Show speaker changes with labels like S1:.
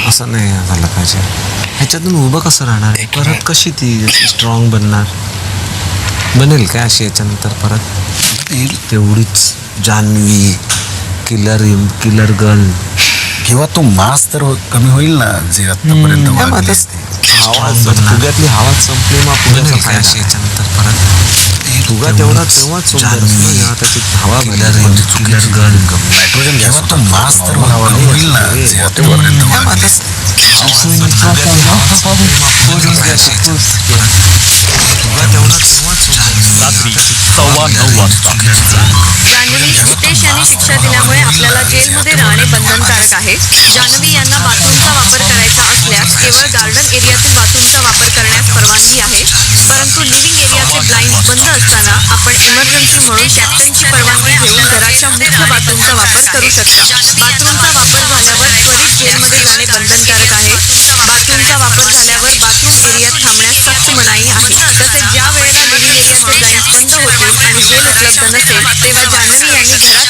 S1: असं नाही झालं पाहिजे. ह्याच्यातून उभं कसं राहणार, परत कशी ती स्ट्रॉंग बनेल काय अशी याच्यानंतर परत तेवढीच जान्हवी किलर गर्ल
S2: किंवा तो मास तर कमी होईल ना जे आतापर्यंत वागली असते.
S1: फुग्यातली हवा संपली मग फुग्याचा फायदा याच्यानंतर परत फुगा तेवढाच जेव्हा त्याची हवा किलर गर्ल
S2: नायट्रोजन किंवा तो मास तर कमी होईल ना जे आतापर्यंत वागली असते.
S3: रात्री 9:15 वाजता.
S4: जान्हवी हितेश यांनी शिक्षा दिल्यामुळे आपल्याला जेलमध्ये राहणे बंधनकारक आहे. जान्हवी यांना बाथरूमचा वापर करायचा असल्यास केवळ गार्डन एरियातील बाथरूमचा वापर करण्यास परवानगी आहे. परंतु लिव्हिंग एरियाचे ब्लाइंड बंद असताना आपण इमर्जन्सी म्हणून कॅप्टनची परवानगी घेऊन घराच्या मुख्य बाथरूमचा वापर करू शकता. बाथरूमचा वापर झाल्यावर त्वरित जेलमध्ये जाणे बंधनकारक आहे. बाथरूमचा वापर झाल्यावर बाथरूम एरियात थांबण्यास सक्त मनाई आहे. तसेच ज्या वेळेला लिव्हिंग एरियाचे ब्लाइंड बंद होतील आणि जेल उपलब्ध नसेल तेव्हा जान्हवी यांनी घरात